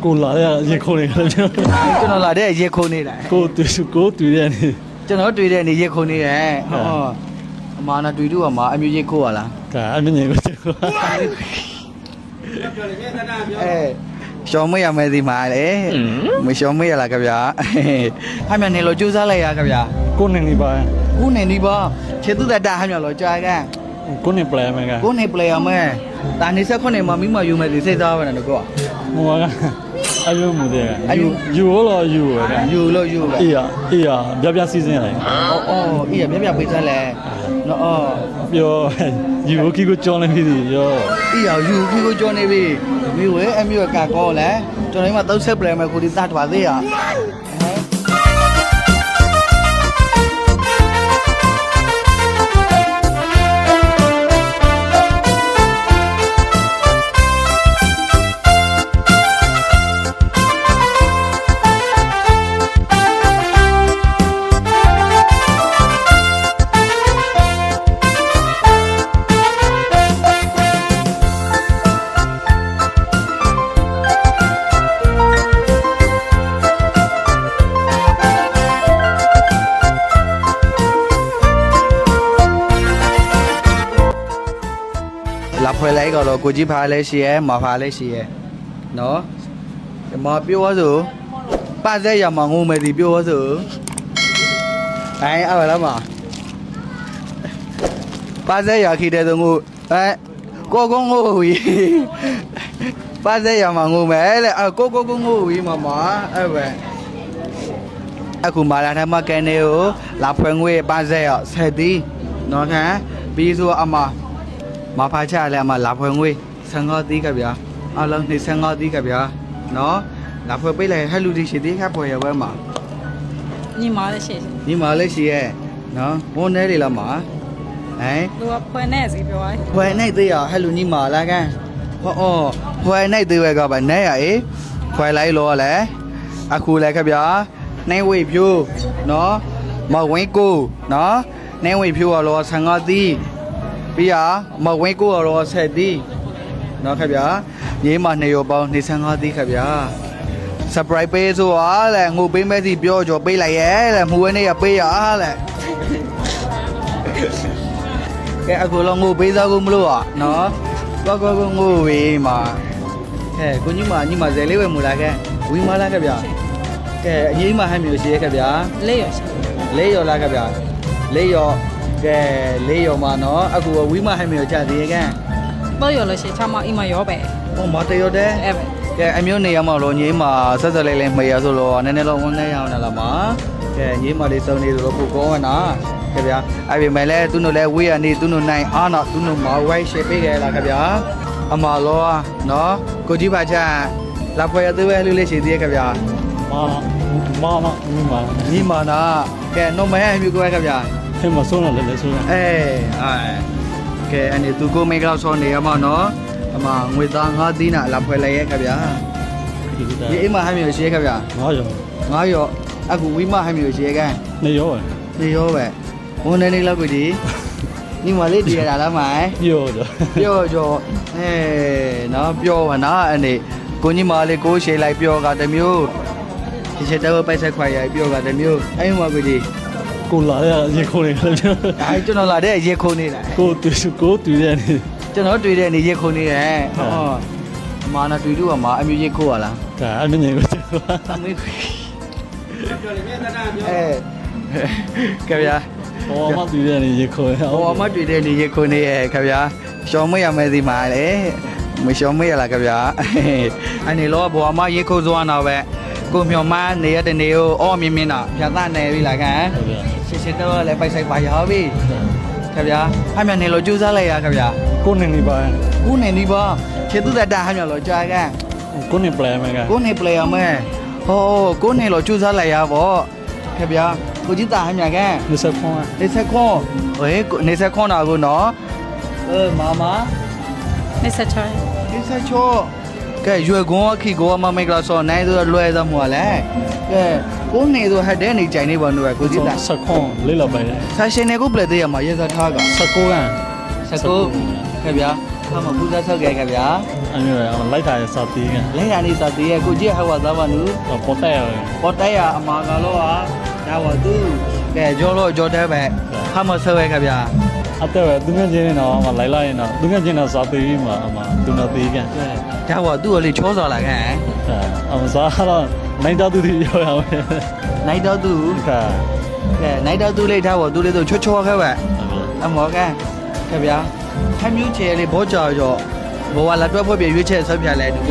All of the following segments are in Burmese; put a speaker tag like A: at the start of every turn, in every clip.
A: ကိုလာရရေခုံနေတယ်ကျွန်
B: တော်လာတဲ့ရေခုံနေတာ
A: ကိုတွေ့တဲ့နေ
B: ကျွန်တော်တွေ့တဲ့နေရေခုံနေတယ်ဟောအမာနာတွေ့တူအမာအမျိုးရေခိုးရလား
A: ဒါအမြင်ကိုကျွန်တော်
B: ရှောင်းမရမယ်ဒီမှာလေမရှောင်းမရလားခင်ဗျာဟာမြန်နေလို့ကြိုးစားလိုက်ရခင်ဗျာ
A: ကိုနေနေပါ
B: ကိုနေနေပါခြေသူတတဟာမြန်လို့ကြာကန်
A: ကိုနေပလဲမယ်က
B: ကိုနေပလေရမယ်တာနေဆက်ခွနဲ့မမိမယူမယ်ဒီစိတ်သားပဲနော်ကော
A: ဟိုကအယုံမှုတဲ့ယူလို့ယူရက
B: ယူလို့ယူပဲ
A: အေးပြပြစီစဉ်ရတယ်
B: အော်အေးပြပြပေးစမ်းလဲနော်အော်
A: ပြောယူခီကိုကြောင်းနေပြီရော
B: အေးယူခီကိုကြောင်းနေပြီမိဝဲအမျိုးကကောလဲကျွန်တော်ဒီမှာသုံးဆက်ပလဲမယ်ကိုဒီတတ်ပါသေးရလာဖွဲလိုက်တော့ကိုကြီးဖားလဲရှိရဲမဖားလဲရှိရဲနော်မပြောဆိုပတ်သက်ရမှာငုံမယ်ဒီပြောဆိုအဲ့လားမပတ်သက်ရခိတဲ့သူငုကိုကုန်းငိုဝီပတ်သက်ရမှာငုံမယ်လေကိုငိုဝီမမအဲ့ပဲအခုမာလာထမကန်နေကိုလာဖွဲငွေပတ်သက်ရဆက်သည်နော်ခံပြီးဆိုအမမဖာချလဲအမလာဖွဲငွေ55တီးကဗျာအလုံး55တီးကဗျာနော်လာဖွဲပေးလိုက်ဟဲ့လူဒီရှိသေးခါဖွဲရဝဲမှာ
C: ညီမလည်းရှိ
B: ညီမလည်းရှိရဲ့နော်ဝန်ထဲလေလားမှာ
C: သူကဖွဲနဲ့စီပြောရဲ
B: ဖွဲနဲ့သေးရဟဲ့လူညီမလားကန်ဟောဖွဲနဲ့သေးဝဲကပါနဲ့ရအေးဖွဲလိုက်လောလဲအခုလဲခဗျာနေဝေဖြိုးနော်မဝင်းကိုနော်နေဝေဖြိုးရလော55တီးပြီးရမဝင်းကိုရတော့ဆက်သည်နော်ခင်ဗျာညီမ2ရောပေါင်း25သည်ခင်ဗျာ surprise ပေးဆိုအားလေငိုပေးမဲ့စီပြောကြောပေးလိုက်ရဲလေမူဝဲနေရပေးရအားလေကဲအခုလောငိုပေးသားကိုမလို့อ่ะနော်ကိုငိုဝေးမှာကဲကိုညီမဇယ်လေးဝဲမူလာခဲ့ဝီမလာခင်ဗျာကဲအကြီးမဟမ်းမျိုးရှိရခင်ဗျာ
C: လေးရောရှိ
B: လေးရောလားခင်ဗျာလေးရောကဲလေးရောမှာနော်အခုဝီမဟမ်းမျိုးချသေးရဲ့
C: တော့ရောလို့ရှိချမအိမ်မရောပဲ
B: ဟောမတရောတဲ့
C: အဲ့ပဲ
B: ကဲအမျိုးနေရမလို့ညီမဆက်ဆက်လေးမေးရဆိုတော့နည်းနည်းတော့ဝန်းနေရအောင်လားမကဲညီမလေးစုံနေလို့ပို့ကောနာခင်ဗျာအဲ့ဒီမဲ့လဲသူတို့လဲဝေးရနေသူတို့နိုင်အားတော့သူတို့မဝိုင်းရှေ့ပေးကြလားခင်ဗျာအမလောနော်ကိုကြီးပါချလာဖွဲရသေးပဲလေးရှိသေးရဲ့ခင်ဗျာညီမနာကဲနော်မရအမျိုးကိုခင်ဗျာ
A: ဟဲ့မဆုံးတော့လည်းဆုံး
B: ကဲအနေသူကိုမိတ်ကတော့ဆောနေရမှာနော်အမငွေသား5သီးနာလာဖွဲလိုက်ရဲ့ခင်ဗျာဒီအိမ်မှာဟမ်းမျိုးရှိရဲ့ခင်ဗျာ9ရောအခုဝီမဟမ်းမျိုးရှိရဲ့ကန်
A: 2ရော
B: ပဲဝန်နေနေလောက်ကိုဒီညီမလေးတည်ရတာလားမိုင်ပြောကြောနော်ပြောပါနော်အနေကိုညီမလေးကိုရှေ့လိုက်ပြောကတမျိုးဒီချက်တော့ပိုက်ဆက်ခွာရပြောကတမျိုးအဲ့မှာကိုဒီ
A: ကိုလာရရေခုံနေတယ်
B: ကျွန်တော်လာတဲ့ရေခုံနေတာ
A: ကိုတွေ့တဲ့နေ
B: ကျွန်တော်တွေ့တဲ့နေရေခုံနေတယ်ဟောအမာနာတွေ့တူအမာအမျိုးရေခိုးရလား
A: ဒါအမြင်ကိုကျွန်တော်
B: အမေကဗျာ
A: ဟောမတွေ့တဲ့နေရေခုံ
B: ဟောမတွေ့တဲ့နေရေခုံနေရဲ့ကဗျာရှောင်းမရမယ်ဒီမှာလေမရှောင်းမရလားကဗျာအနေလောဘွာမရေခိုးသွားတော့ပဲကိုမြော်မနေရတဲ့နေကိုအော်မြင်းတာဖြတ်သားနေပြီလားခင်ရှင်းတော့လည်းပိုက်ဆိုင်ပါရောပြီခင်ဗျာဟာမြန်နေလို့ကြိုးစားလိုက်ရခင်ဗျာ
A: ကိုနေနေပါ
B: ခြေသူတတဟာမြန်လို့ကြာကန်
A: ကိုနေပလဲမယ်က
B: ကိုနေပလေရမယ်ဟောကိုနေလို့ကြိုးစားလိုက်ရဗောခင်ဗျာကိုကြီးတာဟာမြန်ကန်
A: 20ခွန်း
B: ဟေး20ခွန်းတာကိုနော်မ26ကဲရွယ်ကွန်အခီကိုမမိတ်ကလာစောနိုင်ဆိုလွယ်သမှုလဲကဲကိုနေဆိုဟတ်တဲ့နေကြိုင်နေပါလို့ကိုကြီးတာ
A: 20ခွန်းလေးလောက်ပဲ
B: ဆာရှင်နေကိုပလက်သေးရမှာရေစထားက
A: 19ကန်
B: 19ခဲ့ဗျာခါမပူဇော်ဆောက်ခဲ့ခင်ဗျာ
A: အမျိုးလိုက်တာစာတီးက
B: လဲရနေစတည်းရဲ့ကိုကြီးဟောသားပါနူ
A: ပေါ်တက်ရ
B: ပေါ်တိုက်ရအမာကလောဟာဒါဝသူကဲကြောလို့ကြောတဲ့ပဲခါမဆောက်ခဲ့ခင်ဗျာ
A: အတဲ့သူငယ်ချင်းတော့လိုက်လိုက်ရင်တော့သူငယ်ချင်းတော့စာတီးမှာအမသူနာတီးက
B: ဒါဝသူ့ကိုလေချောစော်လာခဲ့
A: အမစားတော့နိုင်တော့သူတွေရောရမယ်
B: နိုင်တော့သူ
A: ခါ
B: ကဲနိုင်တော့သူလေးဒါဝသူလေးတို့ချောချောခဲ့ပဲအမောကဲခင်ဗျာခမျိုးချေလေးဘောကြော်ရောဘောဝလာတွဲဖွဲ့ပြရွေးချက်ဆောက်ပြလဲသူက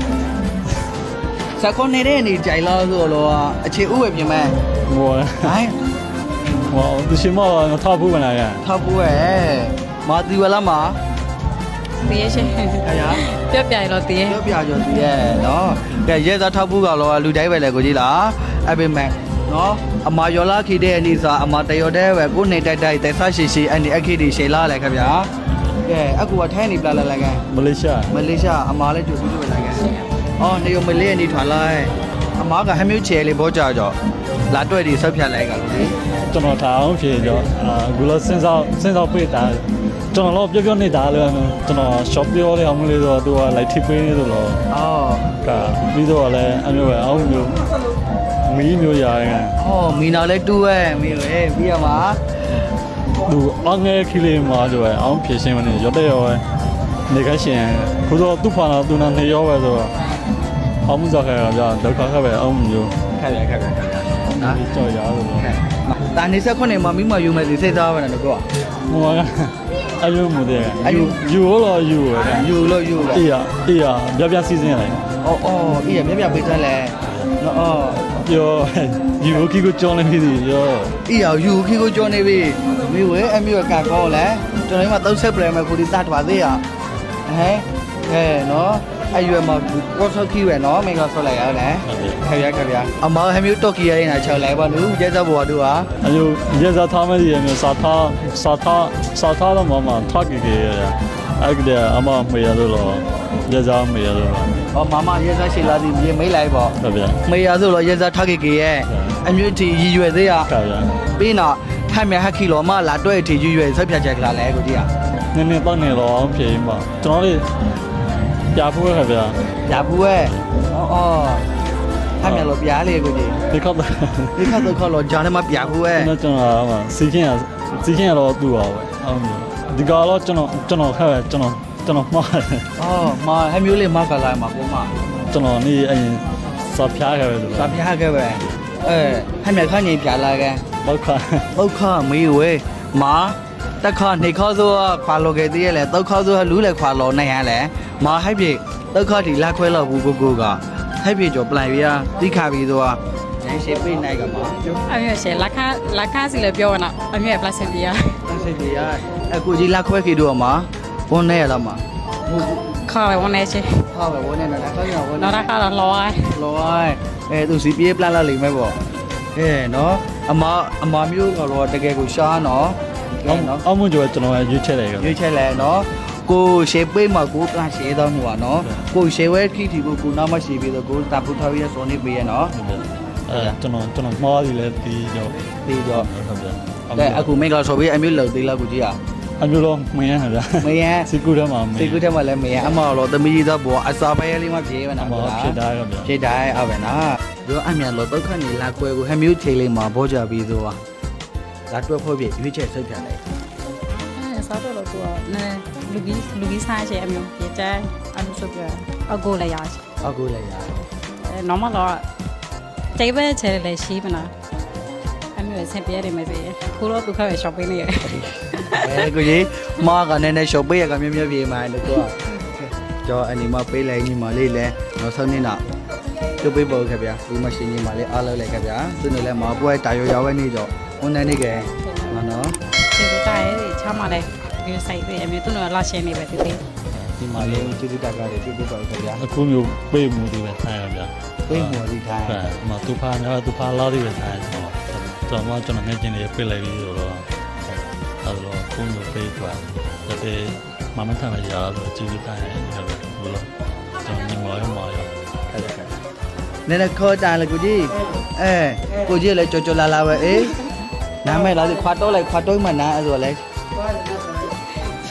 B: စကောနေတဲ့နေကြိုင်လို့ဆိုတော့အခြေဥပဲပြင်မဲ့
A: ဘော
B: ဟိုင်း
A: ဘောသူရှင်မထောက်ဖို့မလားက
B: ထောက်ဖို့ရဲ့မာတီဝလာမှာ
C: တည်ရရှင်
B: ခင်ဗျာ
C: ပြက်ပြိုင်တော့တည်ရ
B: ပြောပြကြောသူရဲ့နော်ကဲရဲသားထောက်ဖို့ကတော့လူတိုင်းပဲလေကိုကြီးလားအဲ့ပေမဲ့နော်အမာယောလာခိတဲ့အနေစာအမာတယောတဲ့ပဲကိုနေတိုက်တိုက်တက်ဆရှိရှိအဲ့ဒီအခိတိရှေလာလေခင်ဗျာကဲအခုကထိုင်းနေပလာလာကဲ
A: မလေးရှား
B: မလေးရှားအမားလည်းကြိုပြီးတွေ့လာကဲအော်နေရမလေးအနေထွာလိုက်အမားကဟမျိုးချဲလေးဘောကြကြောလာတွေ့ဒီဆောက်ဖြတ်လိုက်ကလို့လေ
A: ကျွန်တော်ထားအောင်ဖြေကြောအခုလောစဉ်းစားပေးတာကျွန်တော်တော့ပြောနေတာလေကျွန်တော် shop ပြောရအောင်လေးဆိုတော့သူကလိုက်ထိပေးနေဆိုတော့
B: အော်
A: ကပြီးတော့လည်းအမျိုးပဲအောင်မျိုးမီးမျိုးရရင်
B: အော်မီနာလည်းတူးရဲ့မီလေပြီးရမှာ
A: သူအငယ်ခီလေးမှာဆိုရင်အောင်ဖြေရှင်းမနေရတဲ့ရောနေခရှင်ခုတော့သူ့ဖာတော့သူနာနေရောပဲဆိုတော့အောင်မှုစားခဲ့တာကြာဒုက္ခခက်ပဲအောင်မျိုး
B: ခက်ရခက်ရခက်ရနော်
A: ဒီကြော်ရလို့
B: တာနေဆက်ခွနဲ့မမိမယူမယ်ဒီစိတ်သားပဲနော်ကော
A: ဟိုကအယုံမှုတဲ့ယူလို့ယူရတယ်
B: ယူလို့ယူပဲ
A: အေးရပြစီစဉ်လိုက်
B: အော်အော်အေးရမြပြပေးထားလဲနော်အော်
A: ပြောယူကီကိုကြောင်းနေပြီရော
B: အေးရယူခီကိုကြောနေပြီမိဝဲအမျိုးကကောလဲကျွန်တော်ဒီမှာ30ပလဲမယ်ကိုဒီတတ်ပါသေးရဟဲနော်အဲ့ရွယ်မှာကောဆောက်ခီပဲနော်မင်းကဆောက်လိုက်ရတယ်ခက်ရခက်ရအမောင်ဟမျိုးတော့ကီရရင်6လိုက်ပါနူရဲစဘောတို့ဟာ
A: အယုရဲစားထားမယ်ဒီမျိုးစာထားတော့မထားကြည့်ရအဲ့ကအမမေရလို့ရဲစားမေရလို့
B: ဟောမမရဲစားရှိလာသည်မြေမိတ်လိုက်ပေါ့
A: ဟုတ်ဗျာ
B: မေရဆိုတော့ရဲစားထားကေကေရဲ့အမျိုးတီရည်ရွယ်သေးရ
A: ဟုတ်ဗျာ
B: ပြီးတော့ဟမ်မြဟက်ခီလောမလာတွဲတီရည်ရွယ်ဆက်ဖြတ်ချက်ကလာလဲကိုကြီးอ่ะ
A: နည်းနည်းတော့နေတော့အောင်ဖြေမှာကျွန်တော်လေးပြဖို့ရဗျာ
B: ရဘူးရဲ့အော်ဟမ်မြလောပြားလေကိုကြီး
A: ဒီခေတ်
B: ဒီခါတော့ခေါ်လို့ဂျာနဲ့မပြဘူးရဲ့
A: ကျွန်တော်စီခင်ရတော့သူ့ပါပဲအောင်ဒီကတော့ကျွန်တော်ခက်ပဲကျွန်တော်မှားတယ်
B: အော်မဟမ်မျိုးလေးမကလာမှာကိုမ
A: ကျွန်တော်နေအရင်စာဖျားခဲ့ပဲလို့
B: စာပြားခဲ့ပဲဟမ်မြခန့်နေပြလာခဲ့
A: တော့ခါ
B: ဒုက္ခမေးဝဲမာတက်ခနေခေါ်ဆိုခွာလောခဲ့သေးရဲ့လေဒုက္ခဆိုလူလေခွာလောနိုင်ရလေမာဟိုက်ပြေဒုက္ခဒီလက်ခွဲလောက်ဘူးကိုကဟိုက်ပြေကျော်ပလိုက်ပြတိခါပြီးတော့ရန်ရှိပိတ်နိုင်ကမှာ
C: အမျိုးရှင်လက်ခါစီလည်းပြောရနော်အမျိုးပလတ်စင်ပြရ
B: တက်စိတ်ကြီးရအခုကြီးလက်ခွဲခေတော့မှာဝန်နေရလားမှာ
C: ခေါ်ပဲဝန်နေရှင်
B: ဟာပဲဝန်နေလားခေါင်းရဝန်
C: နော်ဒါကတော့လောရ
B: လောသူစီပြေးပလန်လာလိမ့်မယ်ပေါ့နော်အမမျိုးကတော့တကယ်ကိုရှားနော်
A: အောင်မကျော်ကျွန်တော်ရွေးချက်လိုက်ခဲ့
B: ရွေးချက်လဲနော်ကိုရှေပိတ်မှာကိုကရှေတော့မှာနော်ကိုရှေဝဲခိတီကိုနာမရှိပြီးတော့ကိုတာပူထားရစောနေပေးရနော်
A: ကျွန်တော်မှားပြီလဲပြီးတော့
B: ပြီးတော့
A: ဟုတ်ဗျာ
B: ကဲအခုမိတ်ကဆိုပြီးအမျိုးလုံသေးလားကိုကြီးอ่ะ
A: အမျိုးလုံးမင်းရဗျာ
B: မယံ
A: စီကူထဲမှာမင်း
B: စိတ်ကူးထဲမှာလည်းမယံအမော်တော့သမီးကြီးတော့ဘောအစာပဲလေးမှပြေးမနာ
A: မှာဖြစ်တာရဗျာ
B: ဖြစ်တိုင်းအပဲနော်ပြောအမြန်လို့ဒုက္ခနေလာကွယ်ကိုဟမျိုးချိန်လေးမှာဘောကြပြီးဆိုပါလာတွက်ဖို့ပြရွေးချက်ဆုတ်ပြန်လိုက်
C: အဲစားတော့သူကနည်းလူကြီးစားရှင်အမျိုးပြကြအမျိုးဆိုပြအကိုလည်းရရှင်
B: အခုလည်းရ
C: အဲနော်မတော့တိတ်ပဲချဲလည်းရှိမလားအမျိုးဆင်ပြရတယ်မသိခုတော့သူခါပဲ shopping နေရ
B: ကိုကြီးမားကနည်းနည်းရှော့ပေးရကမြဲမြဲပြေးမှလို့တော့ကျော်အနီမပေးလိုက်ညီမလေးလဲနောက်ဆုံးနေ့တော့သူ့ပေးပေါ်ခဲ့ဗျာဒီမရှင်ညီမလေးအားလုံးလိုက်ခဲ့ဗျာသူနဲ့လည်းမပွဲတာရောရောက်နေတော့ဝန်နေနေကဲနော်
C: ဒီတိုင်းချားမလဲဒီဆိုင်ပဲအမျိုးသူတို့လာရှင်နေပဲတည်
B: ဒီမလေးကျေးဇူးတက်ကြတယ်သူ့ပေးပေါ်ခဲ့ဗျာ
A: အခုမျိုးပေးမှုတွေပဲဆိုင်ရဗျာ
B: ပေးမော်ဒီထိုင်
A: အဲ့မသူဖာညာသူဖာလာတွေပဲဆိုင်တော့ကျွန်တော်ငယ်ချင်းတွေပြလိုက်ပြီးတော့အဲ့တော့ခုမျိုးပေးသွားတဲ့မမထမ်းရရလို့ကြည့်တိုင်းဟုတ်ဘလို့ကျွန်တော်ငေါ်ရော
B: အဲ့ဒါနည်းနည်းခေါ်ကြလေကိုကြီးကိုကြီးလည်းကြော်လာပဲနားမဲ့လားခွာတော့လိုက်ခွာတော့မှနားအဲ့ဆိုလဲ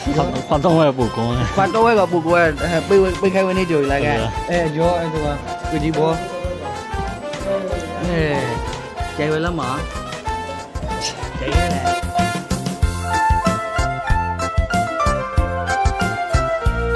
A: 花东外不公啊。
B: ခွာတော့ဝဲကပူကွဲပေးခိုင်းဝင်နေကြလာကဲအဲရောအဲ့ဒါကဒီဘောအဲကျဲဝဲလမ်းမှာကျဲရဲ